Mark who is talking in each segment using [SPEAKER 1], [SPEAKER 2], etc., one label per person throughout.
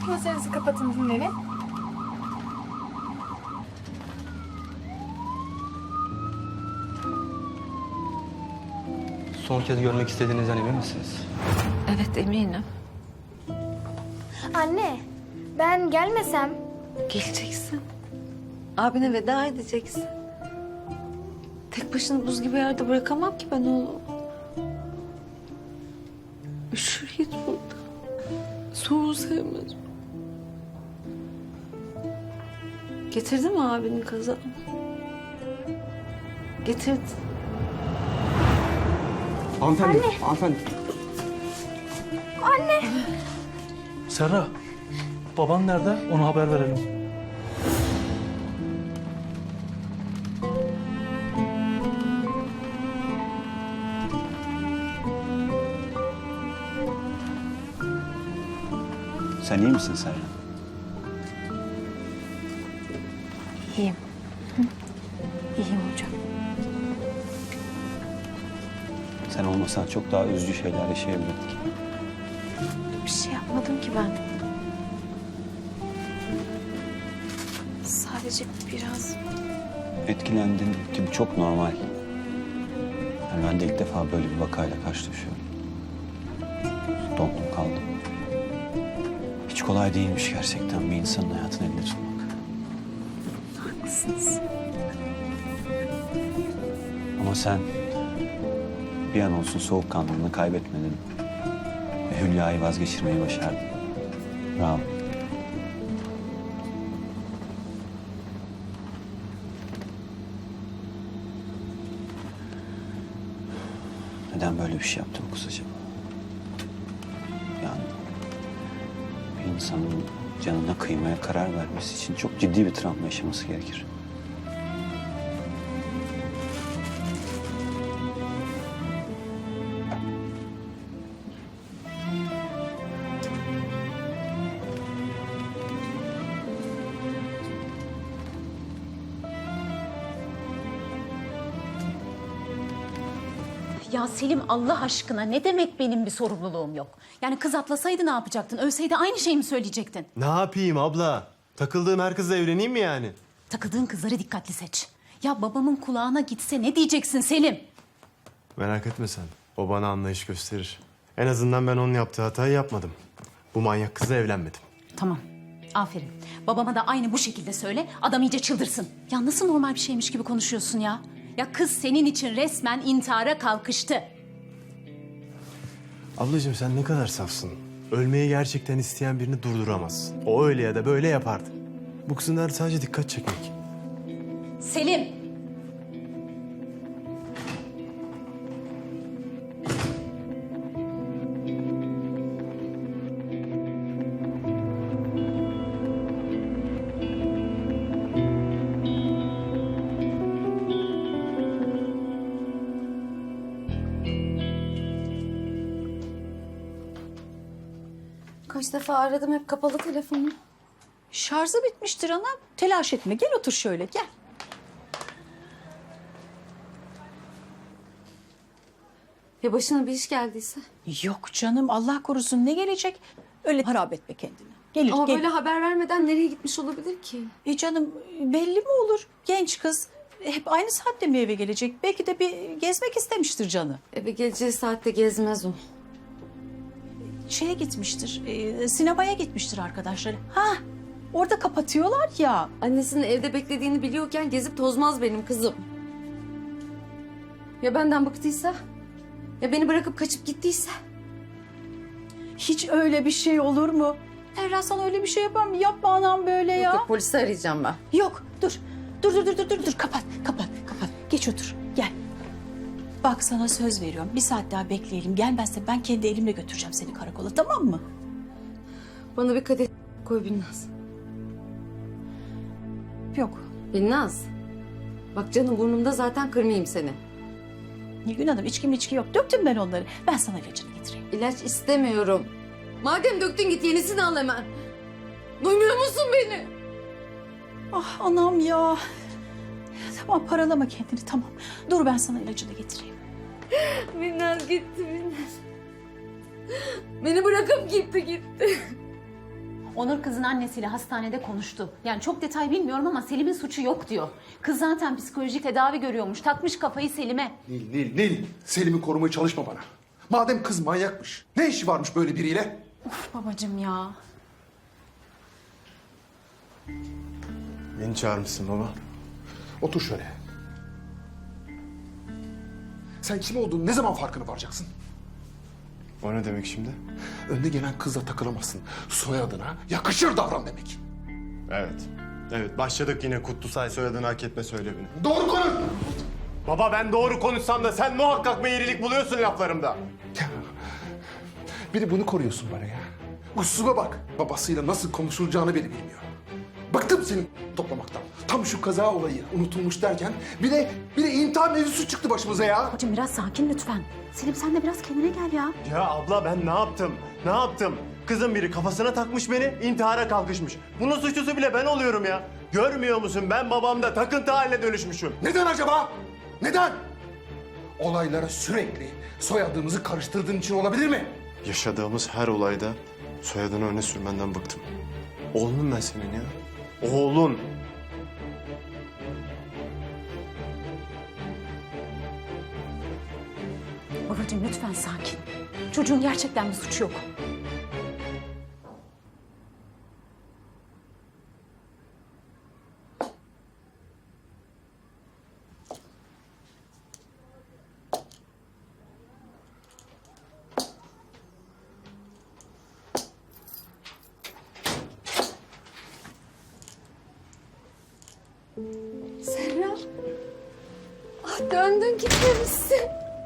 [SPEAKER 1] Gözlerinizi kapatın, dinlenin.
[SPEAKER 2] Son kez görmek istediğinizden emin misiniz?
[SPEAKER 3] Evet, eminim.
[SPEAKER 1] Anne, ben gelmesem...
[SPEAKER 3] Geleceksin. Abine veda edeceksin. Tek başına buz gibi yerde bırakamam ki ben oğlum. Üşür git burada. Soğuğu sevmez. Getirdin mi abinin kazağını? Getirdim.
[SPEAKER 2] Hanımefendi, hanımefendi.
[SPEAKER 4] Serra, baban nerede? Ona haber verelim.
[SPEAKER 5] Sen iyi misin Serra?
[SPEAKER 3] İyiyim. İyiyim hocam.
[SPEAKER 5] Sen olmasan çok daha üzücü şeyler yaşayabilirdik.
[SPEAKER 3] Bir şey yapmadım ki ben. Sadece biraz...
[SPEAKER 5] Etkilendin ki bu çok normal. Yani ben de ilk defa böyle bir vakayla karşılaşıyorum. Dondum kaldım. Hiç kolay değilmiş gerçekten bir insanın hayatını elde tutmak.
[SPEAKER 3] Haklısınız.
[SPEAKER 5] Ama sen bir an olsun soğukkanlılığını kaybetmedin. Ve Hülya'yı vazgeçirmeyi başardın. Bravo. Neden böyle bir şey yaptı bu kız acaba? Yani bir insanın canına kıymaya karar vermesi için çok ciddi bir travma yaşaması gerekir.
[SPEAKER 6] Ya Selim Allah aşkına ne demek benim bir sorumluluğum yok? Yani kız atlasaydı ne yapacaktın? Ölseydi aynı şeyi mi söyleyecektin?
[SPEAKER 7] Ne yapayım abla? Takıldığım her kızla evleneyim mi yani?
[SPEAKER 6] Takıldığın kızları dikkatli seç. Ya babamın kulağına gitse ne diyeceksin Selim?
[SPEAKER 7] Merak etme sen. O bana anlayış gösterir. En azından ben onun yaptığı hatayı yapmadım. Bu manyak kızla evlenmedim.
[SPEAKER 6] Tamam. Aferin. Babama da aynı bu şekilde söyle. Adam iyice çıldırsın. Ya nasıl normal bir şeymiş gibi konuşuyorsun ya? Ya kız senin için resmen intihara kalkıştı.
[SPEAKER 7] Ablacığım sen ne kadar safsın. Ölmeyi gerçekten isteyen birini durduramazsın. O öyle ya da böyle yapardı. Bu kızın derdi sadece dikkat çekmek.
[SPEAKER 6] Selim.
[SPEAKER 3] Kaç defa aradım, hep kapalı telefonu.
[SPEAKER 8] Şarjı bitmiştir ana. Telaş etme. Gel otur şöyle, gel.
[SPEAKER 3] Ya başına bir iş geldiyse?
[SPEAKER 8] Yok canım, Allah korusun, ne gelecek? Öyle harap etme kendini. Gelir,
[SPEAKER 3] Ama
[SPEAKER 8] gelir.
[SPEAKER 3] böyle haber vermeden nereye gitmiş olabilir ki?
[SPEAKER 8] Canım belli mi olur? Genç kız. Hep aynı saatte mi eve gelecek? Belki de bir gezmek istemiştir canı.
[SPEAKER 3] Eve geleceği saatte gezmez o.
[SPEAKER 8] Şeye gitmiştir, sinemaya gitmiştir arkadaşları. Ha, orada kapatıyorlar ya.
[SPEAKER 3] Annesinin evde beklediğini biliyorken gezip tozmaz benim kızım. Ya benden bıktıysa? Ya beni bırakıp kaçıp gittiyse?
[SPEAKER 8] Hiç öyle bir şey olur mu? Ferra sana öyle bir şey yapar mı? Yapma anam böyle ya.
[SPEAKER 3] Yok, polisi arayacağım ben.
[SPEAKER 8] Yok, dur. Dur. Kapat. Geç otur, gel. Bak sana söz veriyorum. Bir saat daha bekleyelim. Gelmezse ben kendi elimle götüreceğim seni karakola, tamam mı?
[SPEAKER 3] Bana bir kadeh koy Binnaz.
[SPEAKER 8] Yok.
[SPEAKER 3] Binnaz. Bak canım burnumda, zaten kırmayayım seni.
[SPEAKER 8] Nilgün Hanım, içki yok. Döktüm ben onları. Ben sana ilacını getireyim.
[SPEAKER 3] İlaç istemiyorum. Madem döktün, git yenisini al hemen. Duymuyor musun beni?
[SPEAKER 8] Ah anam ya. Tamam, paralama kendini, tamam. Dur, ben sana ilacını getireyim.
[SPEAKER 3] Binnaz gitti Binnaz. Beni bırakıp gitti.
[SPEAKER 6] Onur kızın annesiyle hastanede konuştu. Yani çok detay bilmiyorum ama Selim'in suçu yok diyor. Kız zaten psikolojik tedavi görüyormuş. Takmış kafayı Selim'e.
[SPEAKER 9] Nil. Selim'i korumaya çalışma bana. Madem kız manyakmış, ne işi varmış böyle biriyle?
[SPEAKER 6] Of babacığım ya.
[SPEAKER 7] Beni çağırmışsın baba.
[SPEAKER 9] Otur şöyle. Sen kim olduğunu ne zaman farkına varacaksın?
[SPEAKER 7] O ne demek şimdi?
[SPEAKER 9] Önde gelen kızla takılamazsın. Soyadına yakışır davran demek.
[SPEAKER 7] Evet. Evet, başladık yine Kutlusay soyadını hak etme söylemine.
[SPEAKER 9] Doğru konuş!
[SPEAKER 7] Baba ben doğru konuşsam da sen muhakkak meyillilik buluyorsun laflarımda.
[SPEAKER 9] Bir de bunu koruyorsun bana ya. Usuba bak. Babasıyla nasıl konuşulacağını bile bilmiyor. Bıktım senin toplamaktan. Tam şu kaza olayı unutulmuş derken bir de intihar mevzusu çıktı başımıza ya.
[SPEAKER 6] Babacığım biraz sakin lütfen. Selim sen de biraz kendine gel ya.
[SPEAKER 7] Ya abla ben ne yaptım? Ne yaptım? Kızın biri kafasına takmış beni, intihara kalkışmış. Bunun suçlusu bile ben oluyorum ya. Görmüyor musun? Ben babamda takıntı haline dönüşmüşüm.
[SPEAKER 9] Neden acaba? Neden? Olaylara sürekli soyadımızı karıştırdığın için olabilir mi?
[SPEAKER 7] Yaşadığımız her olayda soyadını öne sürmenden bıktım. Oğlum ben senin ya. Oğlun.
[SPEAKER 6] Babacığım lütfen sakin. Çocuğun gerçekten bir suçu yok.
[SPEAKER 3] Serra. Ah döndün gitmemişsin.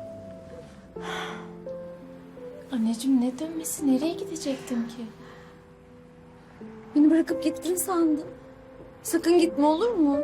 [SPEAKER 1] Anneciğim ne dönmesi? Nereye gidecektim ki?
[SPEAKER 3] Beni bırakıp gittin sandım. Sakın gitme olur mu?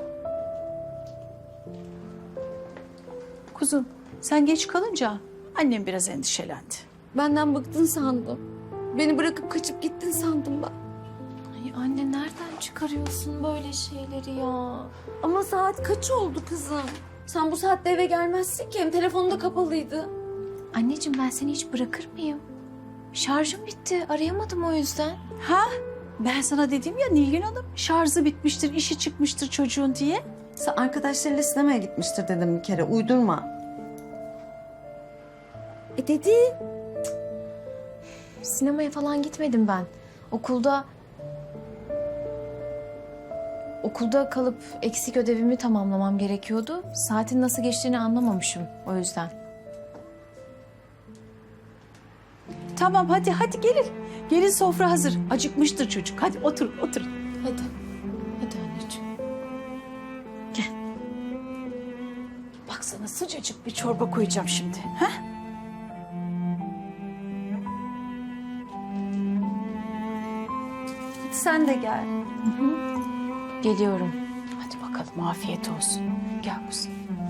[SPEAKER 8] Kuzum sen geç kalınca annem biraz endişelendi.
[SPEAKER 3] Benden bıktın sandım. Beni bırakıp kaçıp gittin sandım ben.
[SPEAKER 1] Ay anne nereden çıkarıyorsun böyle şeyleri ya?
[SPEAKER 3] Ama saat kaç oldu kızım? Sen bu saatte eve gelmezsin ki. Hem telefonu da kapalıydı.
[SPEAKER 1] Anneciğim ben seni hiç bırakır mıyım? Şarjım bitti. Arayamadım o yüzden.
[SPEAKER 8] Ha? Ben sana dedim ya Nilgün Hanım şarjı bitmiştir, işi çıkmıştır çocuğun diye.
[SPEAKER 3] Sen arkadaşlarıyla sinemaya gitmiştir dedim bir kere. Uydurma. Dedi.
[SPEAKER 1] Sinemaya falan gitmedim ben. Okulda kalıp eksik ödevimi tamamlamam gerekiyordu. Saatin nasıl geçtiğini anlamamışım o yüzden.
[SPEAKER 8] Tamam hadi gelin. Gelin sofra hazır. Acıkmıştır çocuk. Hadi otur.
[SPEAKER 1] Hadi. Hadi anneciğim.
[SPEAKER 8] Bak sana sıcacık bir çorba koyacağım şimdi. Ha? Hadi sen de gel.
[SPEAKER 1] Geliyorum.
[SPEAKER 8] Hadi bakalım afiyet olsun. Gel kuzum.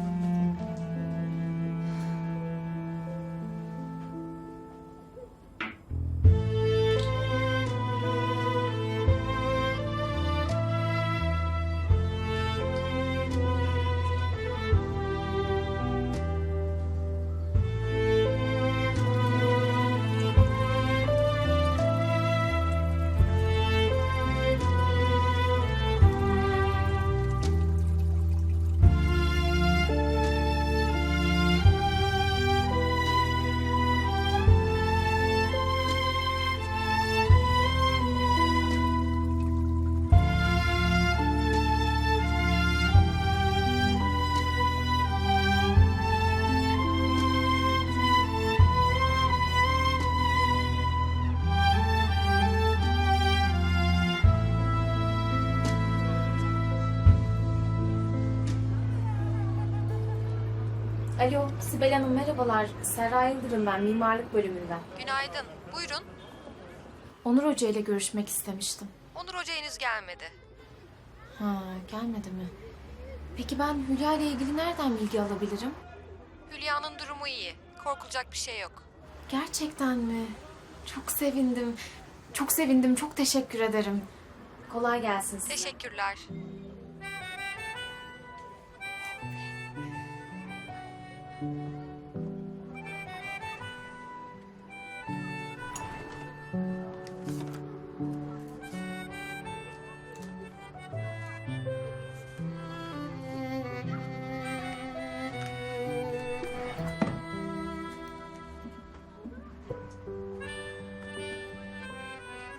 [SPEAKER 1] Alo Sibel Hanım merhabalar. Serra Yıldırım ben mimarlık bölümünden.
[SPEAKER 10] Günaydın. Buyurun.
[SPEAKER 1] Onur Hoca ile görüşmek istemiştim.
[SPEAKER 10] Onur Hoca henüz gelmedi.
[SPEAKER 1] Ha gelmedi mi? Peki ben Hülya ile ilgili nereden bilgi alabilirim?
[SPEAKER 10] Hülya'nın durumu iyi. Korkulacak bir şey yok.
[SPEAKER 1] Gerçekten mi? Çok sevindim. Çok sevindim. Çok teşekkür ederim. Kolay gelsin size.
[SPEAKER 10] Teşekkürler.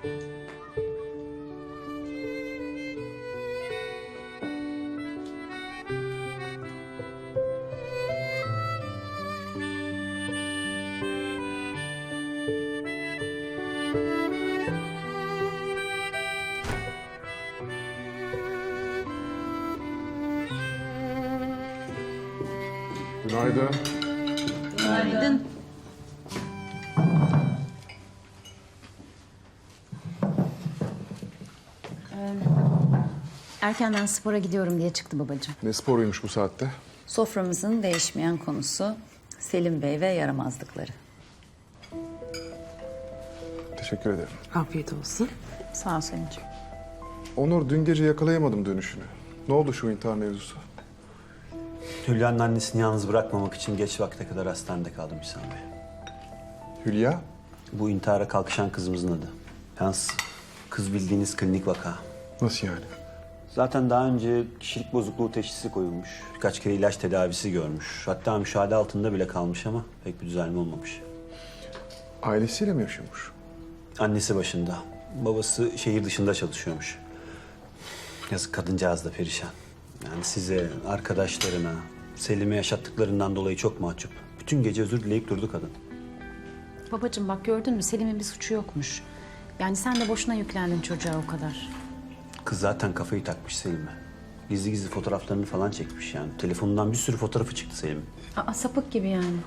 [SPEAKER 9] Günaydın.
[SPEAKER 3] Günaydın.
[SPEAKER 6] Erkenden spora gidiyorum diye çıktı babacığım.
[SPEAKER 9] Ne sporuymuş bu saatte?
[SPEAKER 3] Soframızın değişmeyen konusu Selim Bey ve yaramazlıkları.
[SPEAKER 9] Teşekkür ederim.
[SPEAKER 3] Afiyet olsun. Sağ ol Selin'ciğim.
[SPEAKER 9] Onur, dün gece yakalayamadım dönüşünü. Ne oldu şu intihar mevzusu?
[SPEAKER 5] Hülya'nın annesini yalnız bırakmamak için geç vakte kadar hastanede kaldım İhsan Bey.
[SPEAKER 9] Hülya?
[SPEAKER 5] Bu intihara kalkışan kızımızın adı. Yalnız kız bildiğiniz klinik vaka.
[SPEAKER 9] Nasıl yani?
[SPEAKER 5] Zaten daha önce kişilik bozukluğu teşhisi koyulmuş. Birkaç kere ilaç tedavisi görmüş. Hatta müşahede altında bile kalmış ama pek bir düzelme olmamış.
[SPEAKER 9] Ailesiyle mi yaşıyormuş?
[SPEAKER 5] Annesi başında. Babası şehir dışında çalışıyormuş. Yazık, kadıncağız da perişan. Yani size, arkadaşlarına, Selim'e yaşattıklarından dolayı çok mahcup. Bütün gece özür dileyip durdu kadın.
[SPEAKER 6] Babacığım bak gördün mü Selim'in bir suçu yokmuş. Yani sen de boşuna yüklendin çocuğa o kadar.
[SPEAKER 5] Kız zaten kafayı takmış Selim'e. Gizli gizli fotoğraflarını falan çekmiş yani. Telefonundan bir sürü fotoğrafı çıktı Selim'in.
[SPEAKER 6] Aa, sapık gibi yani.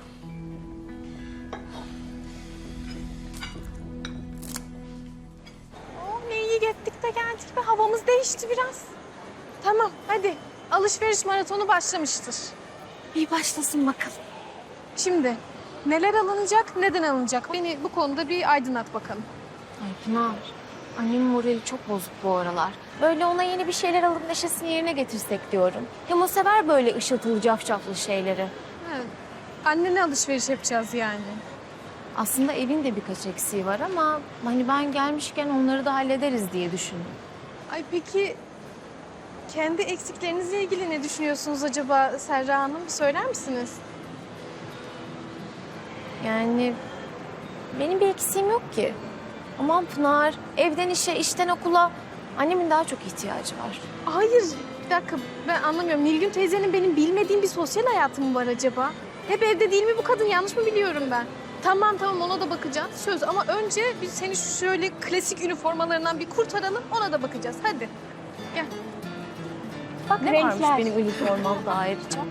[SPEAKER 1] Ne iyi gittik de geldik ve havamız değişti biraz. Tamam hadi alışveriş maratonu başlamıştır. İyi başlasın bakalım. Şimdi neler alınacak, neden alınacak? Beni bu konuda bir aydınlat bakalım.
[SPEAKER 11] Ay Pınar, annemin morali çok bozuk bu aralar. Böyle ona yeni bir şeyler alıp neşesini yerine getirsek diyorum. Hem o sever böyle ışıltılı cafcaflı şeyleri.
[SPEAKER 1] Evet. Annene alışveriş yapacağız yani.
[SPEAKER 11] Aslında evin de birkaç eksiği var ama hani ben gelmişken onları da hallederiz diye düşündüm.
[SPEAKER 1] Ay peki kendi eksiklerinizle ilgili ne düşünüyorsunuz acaba Serra Hanım? Söyler misiniz?
[SPEAKER 11] Yani benim bir eksiğim yok ki. Aman Pınar, evden işe, işten okula annemin daha çok ihtiyacı var.
[SPEAKER 1] Hayır, bir dakika ben anlamıyorum. Nilgün teyzenin benim bilmediğim bir sosyal hayatı mı var acaba? Hep evde değil mi bu kadın? Yanlış mı biliyorum ben? Tamam ona da bakacağız. Söz ama önce biz seni şu şöyle klasik üniformalarından bir kurtaralım. Ona da bakacağız. Hadi gel.
[SPEAKER 11] Bak ne
[SPEAKER 1] renkler.
[SPEAKER 11] varmış benim üniformamda ayrıca.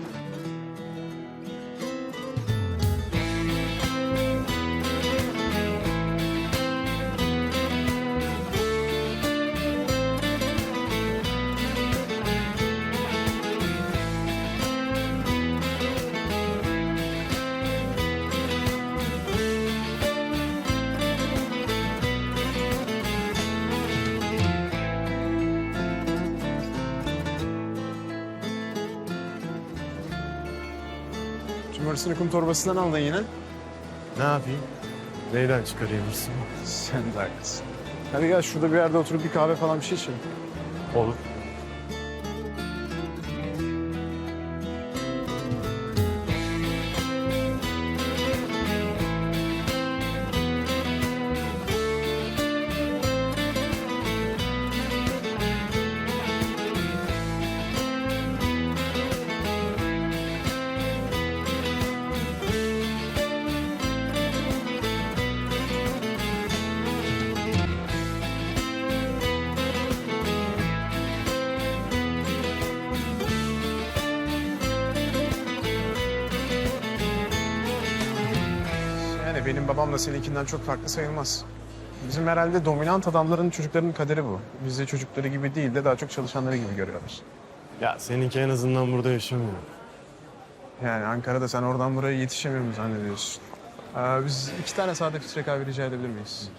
[SPEAKER 7] Cumartesini kum torbasından aldın yine. Ne yapayım? Neyden çıkarayım hırsımı?
[SPEAKER 12] Sen de haklısın. Hadi gel şurada bir yerde oturup bir kahve falan bir şey içelim.
[SPEAKER 7] Olur.
[SPEAKER 12] Yani benim babam da seninkinden çok farklı sayılmaz. Bizim herhalde dominant adamların çocuklarının kaderi bu. Bizi çocukları gibi değil de daha çok çalışanları gibi görüyorlar.
[SPEAKER 7] Ya seninki en azından burada yaşamıyor.
[SPEAKER 12] Yani Ankara'da sen oradan buraya yetişemiyor mu zannediyorsun? Biz 2 tane sade filtre kahve rica edebilir miyiz?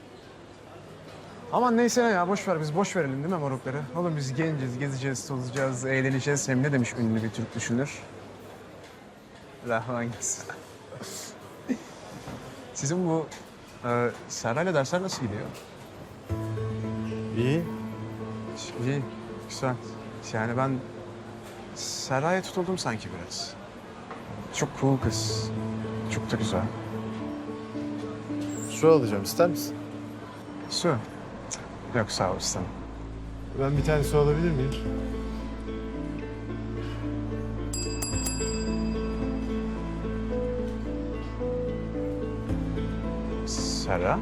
[SPEAKER 12] Aman neyse ya boş ver biz boş verelim değil mi morukları? Oğlum biz genciz, gezeceğiz, tozacağız, eğleneceğiz. Hem ne demiş ünlü bir Türk düşünür? Rahman gelsin. Sizin bu Serra'yla dersler nasıl gidiyor?
[SPEAKER 7] İyi.
[SPEAKER 12] İyi, güzel. Yani ben Serra'ya tutuldum sanki biraz. Çok cool kız. Çok da güzel.
[SPEAKER 7] Su alacağım, ister misin?
[SPEAKER 12] Su. Yok sağ ol istemem.
[SPEAKER 7] Ben bir tane su alabilir miyim?
[SPEAKER 12] Serra?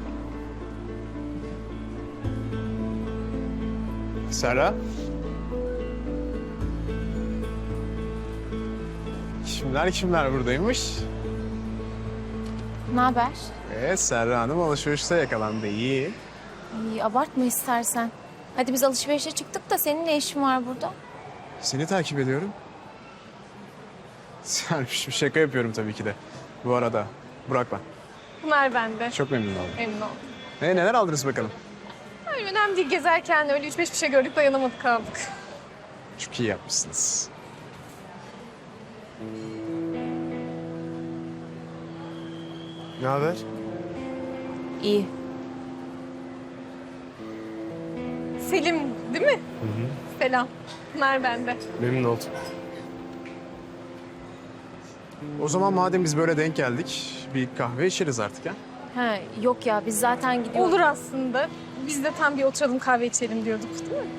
[SPEAKER 12] Serra? Kimler buradaymış?
[SPEAKER 11] Ne haber?
[SPEAKER 12] Serra Hanım alışverişte yakalandı. İyi.
[SPEAKER 11] İyi, abartma istersen. Hadi biz alışverişe çıktık da senin ne işin var burada?
[SPEAKER 12] Seni takip ediyorum. Serpişim şaka yapıyorum tabii ki de. Bu arada Burak ben.
[SPEAKER 1] Pınar bende.
[SPEAKER 12] Çok memnun oldum.
[SPEAKER 1] Memnun oldum.
[SPEAKER 12] Neler aldınız bakalım?
[SPEAKER 1] Ay, önemli değil, gezerken öyle 3-5 bir şey gördük, dayanamadık kaldık.
[SPEAKER 12] Çok iyi yapmışsınız.
[SPEAKER 7] Ne haber?
[SPEAKER 11] İyi.
[SPEAKER 1] Selim değil mi? Selam. Pınar bende.
[SPEAKER 7] Memnun oldum.
[SPEAKER 12] O zaman madem biz böyle denk geldik, bir kahve içeriz artık ha?
[SPEAKER 11] Ha, yok ya biz zaten gidiyoruz.
[SPEAKER 1] Olur aslında. Biz de tam bir oturalım kahve içelim diyorduk değil mi?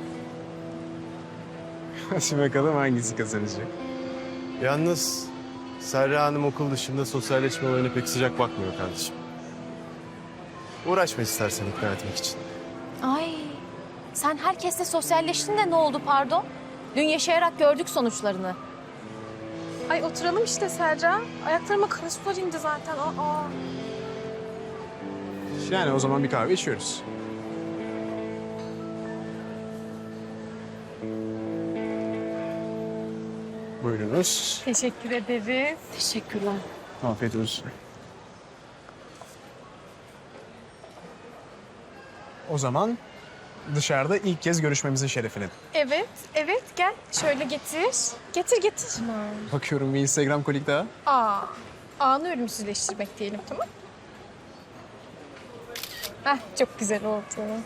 [SPEAKER 12] Hadi bakalım hangisi kazanacak?
[SPEAKER 7] Yalnız Serra Hanım okul dışında sosyalleşme olayına pek sıcak bakmıyor kardeşim. Uğraşma istersen ikna etmek için.
[SPEAKER 11] Ay, sen herkesle sosyalleştin de ne oldu pardon? Dün yaşayarak gördük sonuçlarını.
[SPEAKER 1] Ay oturalım işte Serra. Ayaklarıma kara sular indi zaten. Aa.
[SPEAKER 12] Yani o zaman bir kahve içiyoruz. Buyurunuz.
[SPEAKER 1] Teşekkür ederiz.
[SPEAKER 11] Teşekkürler.
[SPEAKER 12] Afiyet olsun. O zaman dışarıda ilk kez görüşmemizin şerefine.
[SPEAKER 1] Evet, evet gel. Şöyle getir. Getir.
[SPEAKER 12] Bakıyorum bir Instagram kolik daha.
[SPEAKER 1] Anı ölümsüzleştirmek diyelim, tamam? Heh, çok güzel oldu.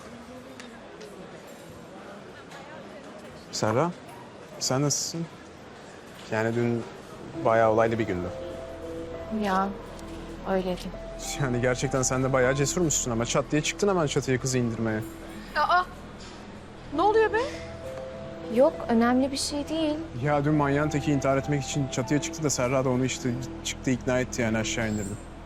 [SPEAKER 12] Serra, sen nasılsın? Yani dün bayağı olaylı bir gündü.
[SPEAKER 11] Ya, öyleydi.
[SPEAKER 12] Yani gerçekten sen de bayağı cesurmuşsun ama çat diye çıktın hemen çatıya kızı indirmeye.
[SPEAKER 1] Ne oluyor be?
[SPEAKER 11] Yok, önemli bir şey değil.
[SPEAKER 12] Ya dün manyağın teki intihar etmek için çatıya çıktı da Serra da onu işte çıktı ikna etti yani aşağı indirdi.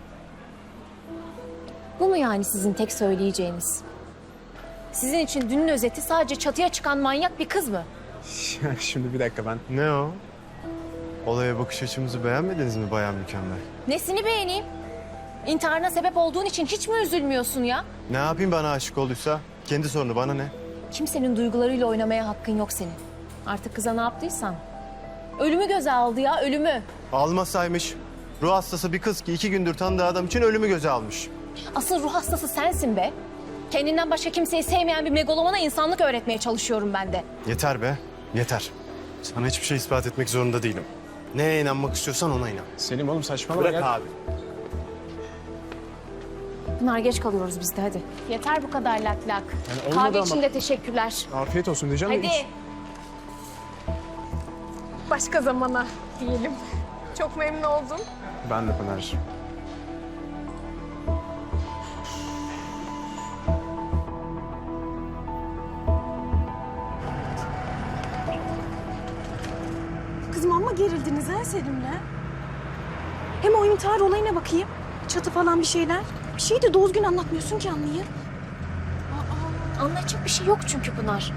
[SPEAKER 11] Bu mu yani sizin tek söyleyeceğiniz? Sizin için dünün özeti sadece çatıya çıkan manyak bir kız mı?
[SPEAKER 12] Şimdi bir dakika ben.
[SPEAKER 7] Ne o? Olaya bakış açımızı beğenmediniz mi Bayan Mükemmel?
[SPEAKER 11] Nesini beğeneyim? İntiharına sebep olduğun için hiç mi üzülmüyorsun ya?
[SPEAKER 7] Ne yapayım bana aşık olduysa? Kendi sorunu bana ne?
[SPEAKER 11] Kimsenin duygularıyla oynamaya hakkın yok senin. Artık kıza ne yaptıysan. Ölümü göze aldı ya, ölümü.
[SPEAKER 7] Almasaymış. Ruh hastası bir kız ki 2 gündür tanıdığı adam için ölümü göze almış.
[SPEAKER 11] Asıl ruh hastası sensin be. Kendinden başka kimseyi sevmeyen bir megalomana insanlık öğretmeye çalışıyorum ben de.
[SPEAKER 7] Yeter be, yeter. Sana hiçbir şey ispat etmek zorunda değilim. Neye inanmak istiyorsan ona inan.
[SPEAKER 12] Selim oğlum saçmalama.
[SPEAKER 7] Bırak
[SPEAKER 12] gel.
[SPEAKER 7] abi.
[SPEAKER 11] Pınar geç kalıyoruz biz de hadi. Yeter bu kadar lak lak.
[SPEAKER 12] Yani olmadı
[SPEAKER 11] Kahve
[SPEAKER 12] ama.
[SPEAKER 11] için de teşekkürler.
[SPEAKER 12] Afiyet olsun diyeceğim. de
[SPEAKER 11] Hadi.
[SPEAKER 1] Başka zamana diyelim. Çok memnun oldum.
[SPEAKER 12] Ben de Pınar'cığım.
[SPEAKER 1] Kızım amma gerildiniz ha Selim'le. Hem o intihar olayına bakayım. Çatı falan bir şeyler. Bir şeyi de doğru gün anlatmıyorsun ki anlayayım.
[SPEAKER 11] Anlayacak bir şey yok çünkü Pınar.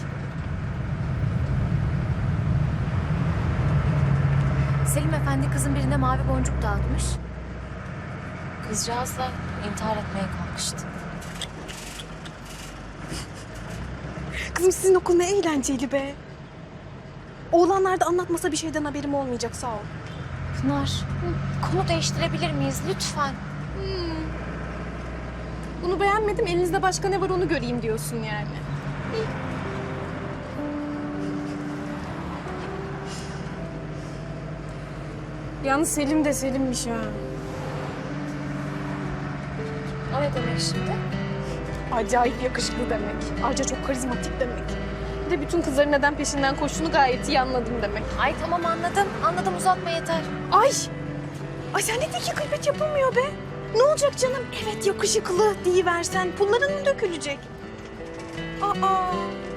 [SPEAKER 11] Selim Efendi kızın birine mavi boncuk dağıtmış. Kızcağız da intihar etmeye kalkıştı.
[SPEAKER 1] Kızım sizin okul ne eğlenceli be. Oğlanlar da anlatmasa bir şeyden haberim olmayacak, sağ ol.
[SPEAKER 11] Pınar, konu değiştirebilir miyiz lütfen?
[SPEAKER 1] Bunu beğenmedim, elinizde başka ne var onu göreyim diyorsun yani. Yalnız Selim de Selim'miş ha.
[SPEAKER 11] O ne demek şimdi?
[SPEAKER 1] Acayip yakışıklı demek. Ayrıca çok karizmatik demek. Bir de bütün kızların neden peşinden koştuğunu gayet iyi anladım demek.
[SPEAKER 11] Ay tamam anladım. Anladım uzatma yeter.
[SPEAKER 1] Ay! Ay sen de ki gıybet yapılmıyor be. Ne olacak canım? Evet yakışıklı deyiversen pulların mı dökülecek? Aa,